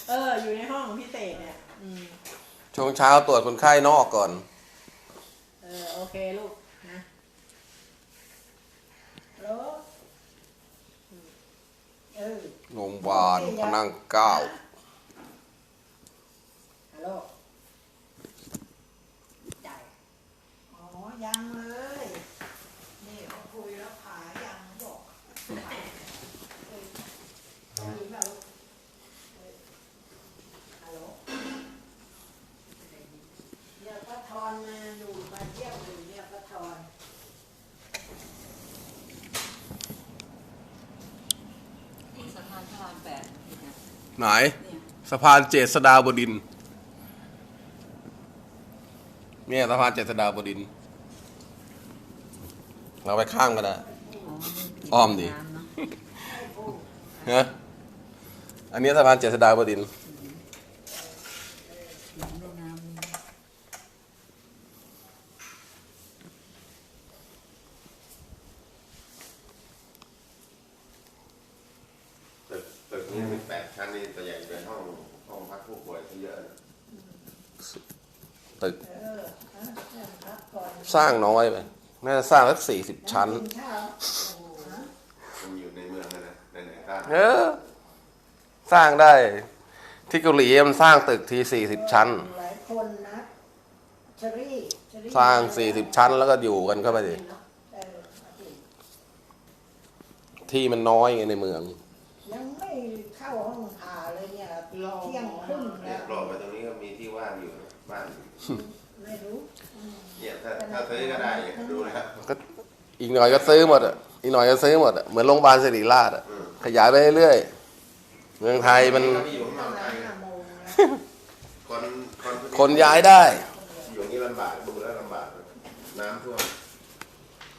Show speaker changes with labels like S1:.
S1: อยู่ในห้องพิเศษเนี่ย
S2: ช่วงเช้าตรวจคนไข้นอกก่อน
S1: โอเคลูกนะแล้ว
S2: โรงพยาบาลพระนั่งเกล้า
S1: ฮัลโหลจ่ายอ๋อยังเลยนี่เขาคุยแล้วขายังบอกยิงแบบฮัลโหลเดี๋ยวป้าทอนมาอยู่มาเที่ยวอยู่เนี่ยป้าทอน
S3: สะพานพระราม8
S2: ไหนสะพานเจษฎาบดินทร์เนี่ยสะพานเจษฎาบดินทร์เราไปข้ามกันได้อ้อมดิฮะอันนี้สะพานเจษฎาบดินทร์
S4: ตึกนี้มี8 ชั้นนี่ตัวใหญ่เป็นห้องพักผู้ป่วยที่เยอะนะ
S2: ตึกสร้างน้อยไปน่าจะสร้างสัก40 ชั้น
S4: มันอยู่ในเมืองนะไหนๆก็
S2: สร้างได้ที่เกาหลีมันสร้างตึกที40 ชั้น
S1: หลายคนนะเชอรี่
S2: สร้าง40 ชั้นแล้วก็อยู่กันเข้าไปดิที่มันน้อยไงในเมือง
S1: ยังไม่เข้าห้องผ่าเลยเนี่ยเที่ยงครึ่ง
S4: เนี่
S1: แล้ว
S4: ยกรอบไปตรงนี้ก็มีที่ว่างอยู่บ้าน
S1: ไม่รู้
S4: เนี่ยถ้าซื้อก็ได้ดูนะครับ
S2: ก็อีกหน่อยก็ซื้อหมดอ่ะอีกหน่อยก็ซื้อหมดอ่ะเหมือนโรงพยาบาลศิริราชอ่ะขยายไปเรื่อยๆเมืองไทยมันคนย้ายได้
S4: อยู่นี่ลำบากดูแล้วลำบากน้ำท่วม